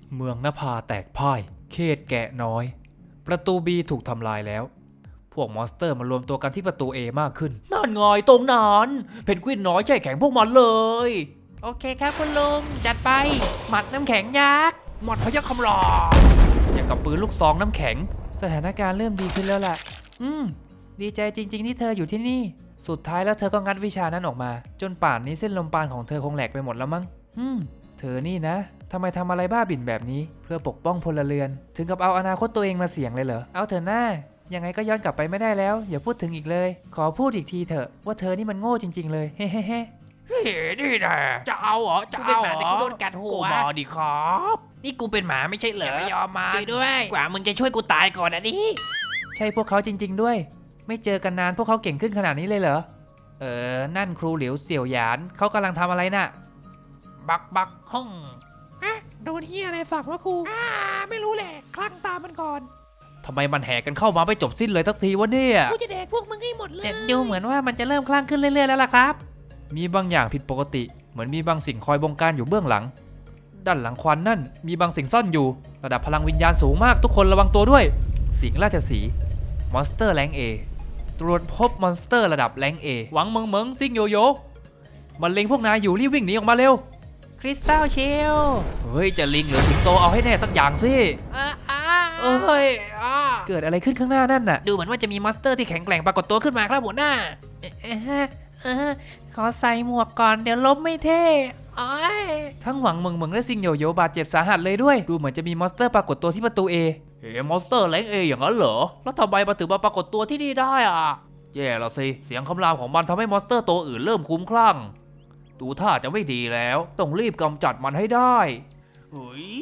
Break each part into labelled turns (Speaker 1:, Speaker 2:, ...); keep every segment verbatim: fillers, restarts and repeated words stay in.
Speaker 1: เมืองนภาแตกพ่ายเขตแกะน้อยประตู B ถูกทำลายแล้วพวกมอนสเตอร์มารวมตัวกันที่ประตู A มากขึ้นนั่นไงตรงนั้นเพนกวินน้อยใจแข็งพวกมันเลยโอเคครับคุณลุงจัดไปหมัดน้ำแข็งยักษ์หมัดพยัคฆ์คำรามอย่างกับปืนลูกซองน้ำแข็งสถานการณ์เริ่มดีขึ้นแล้วล่ะอืมดีใจจริงๆที่เธออยู่ที่นี่สุดท้ายแล้วเธอก็งัดวิชานั้นออกมาจนป่านนี้เส้นลมปราณของเธอคงแหลกไปหมดแล้วมั้งอืมเธอนี่นะทำไมทำอะไรบ้าบิ่นแบบนี้เพื่อปกป้องพลเรือนถึงกับเอาอนาคตตัวเองมาเสี่ยงเลยเหรอเอาเถอะหน้ายังไงก็ย้อนกลับไปไม่ได้แล้วอย่าพูดถึงอีกเลยขอพูดอีกทีเถอะว่าเธอนี่มันโง่จริงๆเลยเฮ้เฮ้เฮ้เฮ้นี่แหละจะเอาเหรอจะเอาเหรอกูโดนกัดหัวกูมาดิครับนี่กูเป็นหมาไม่ใช่เหรอไม่ยอมมาช่วยด้วยกว่ามึงจะช่วยกูตายก่อนนะดิใช่พวกเขาจริงๆด้วยไม่เจอกันนานพวกเขาเก่งขึ้นขนาดนี้เลยเหรอเออนั่นครูเหลียวเสี่ยวหยานเขากำลังทำอะไรน่ะบักบักห้องอะโดนเฮียอะไรฝากวะครูอ่าไม่รู้แหละคลั่งตามมันก่อนทำไมมันแห่กันเข้ามาไม่จบสิ้นเลยทักทีวะเนี่ย
Speaker 2: กูจะแดกพวกมึงให้หมดเลย
Speaker 1: แต่ดูเหมือนว่ามันจะเริ่มคลั่งขึ้นเรื่อยๆแล้วล่ะครับมีบางอย่างผิดปกติเหมือนมีบางสิ่งคอยบงการอยู่เบื้องหลังด้านหลังควันนั่นมีบางสิ่งซ่อนอยู่ระดับพลังวิญญาณสูงมากทุกคนระวังตัวด้วยสิงห์ราชสีห์มอนสเตอร์แรง A ตรวจพบมอนสเตอร์ระดับแรง A หวังเมิงเมิงซิงโยโย่มันเล็งพวกนายอยู่รีบวิ่งหนีออกมาเร็วคริสตัลเชลเฮ้ยจะลิงหรือสิงโตเอาให้แน่สักอย่างสิเอ้ยเกิดอะไรขึ้นข้างหน้านั่นน่ะ
Speaker 2: ดูเหมือนว่าจะมีมอนสเตอร์ที่แข็งแกร่งปรากฏตัวขึ้นมาครับหัวหน้าเออขอใส่หมวกก่อนเดี๋ยวล้มไม่เท่
Speaker 1: ทั้งหวังเมิงเมิงและซิงโยโย่บาดเจ็บสาหัสเลยด้วยดูเหมือนจะมีมอนสเตอร์ปรากฏตัวที่ประตู A เฮ้มอนสเตอร์แรง A อย่างนั้นเหรอแล้วทำไมมาถึงมาปรากฏตัวที่นี่ได้อ่ะแย่ละสิเสียงคำรามของมันทำให้มอนสเตอร์ตัวอื่นเริ่มคุ้มคลั่งดูท่าจะไม่ดีแล้วต้องรีบกำจัดมันให้ได้เฮ้ย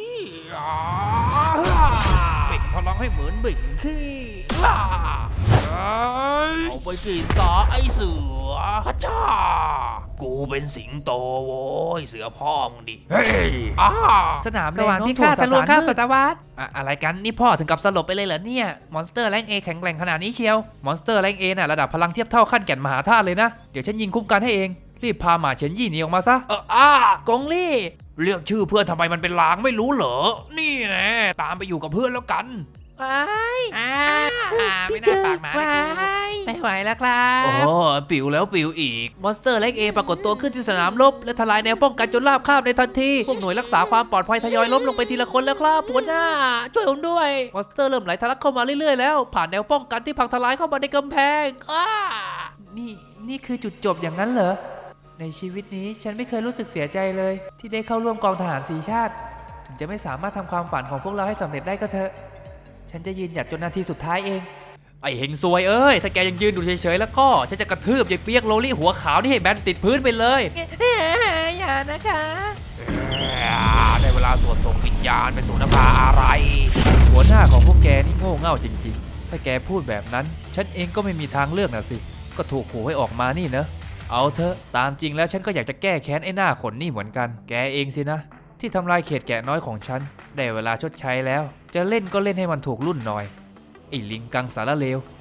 Speaker 1: เบ่งพลังให้เหมือนเบ่งขี้เอาไปกินซะไอเสือฮัจ้ากูเป็นสิงโตโว้ยเสือพ่อมึงดิเฮ้ยสนามสวรรค์พิฆาตทะลวงข้าวสัตวัตอะไรกันนี่พ่อถึงกับสลบไปเลยเหรอเนี่ยมอนสเตอร์แรงเอแข็งแกร่งขนาดนี้เชียวมอนสเตอร์แรงเอน่ะระดับพลังเทียบเท่าขั้นแก่นมหาธาตุเลยนะเดี๋ยวฉันยิงคุ้มกันให้เองรีบพาหมาเฉินยี่หนีออกมาซะเอออ้ากงลี่เรียกชื่อเพื่อนทำไมมันเป็นลางไม่รู้เหรอนี่แน่ตามไปอยู่กับเพื่อนแล้วกัน
Speaker 2: ว้าย
Speaker 1: อ่า
Speaker 2: ไม่น่าปากหมาไม่ไหวแล้วครับ
Speaker 1: โอ้ปิวแล้วปิวอีกมอนสเตอร์เล็กเอปรากฏตัวขึ้นที่สนามรบและทลายแนวป้องกันจนราบคาบในทันทีพวกหน่วยรักษาความปลอดภัยทยอยล้มลงไปทีละคนแล้วครับหัวหน้าช่วยผมด้วยมอนสเตอร์เริ่มไหลทะลักเข้ามาเรื่อยๆแล้วผ่านแนวป้องกันที่พังทลายเข้ามาในกำแพงอ้านี่นี่คือจุดจบอย่างนั้นเหรอในชีวิตนี้ฉันไม่เคยรู้สึกเสียใจเลยที่ได้เข้าร่วมกองทหารสีชาติถึงจะไม่สามารถทำความฝันของพวกเราให้สำเร็จได้ก็เถอะฉันจะยืนหยัดจนนาทีสุดท้ายเองไอเฮงซวยเอ้ยถ้าแกยังยืนดูเฉยๆแล้วก็ฉันจะกระทืบยายเปียกโลลี่หัวขาวนี่ให้แบนติดพื้นไปเลย
Speaker 2: อย่านะคะ
Speaker 1: ได้เวลาสวดส่งวิญญาณไปสู่นภาอะไรหัวหน้าของพวกแกนี่โง่เง่าจริงๆถ้าแกพูดแบบนั้นฉันเองก็ไม่มีทางเลือกนะสิก็ถูกขู่ให้ออกมานี่เนอะเอาเถอะตามจริงแล้วฉันก็อยากจะแก้แค้นไอ้หน้าขนนี่เหมือนกันแกเองสินะที่ทำลายเขตแกะน้อยของฉันได้เวลาชดใช้แล้วจะเล่นก็เล่นให้มันถูกรุ่นหน่อยไอ้ลิงกังสารเลว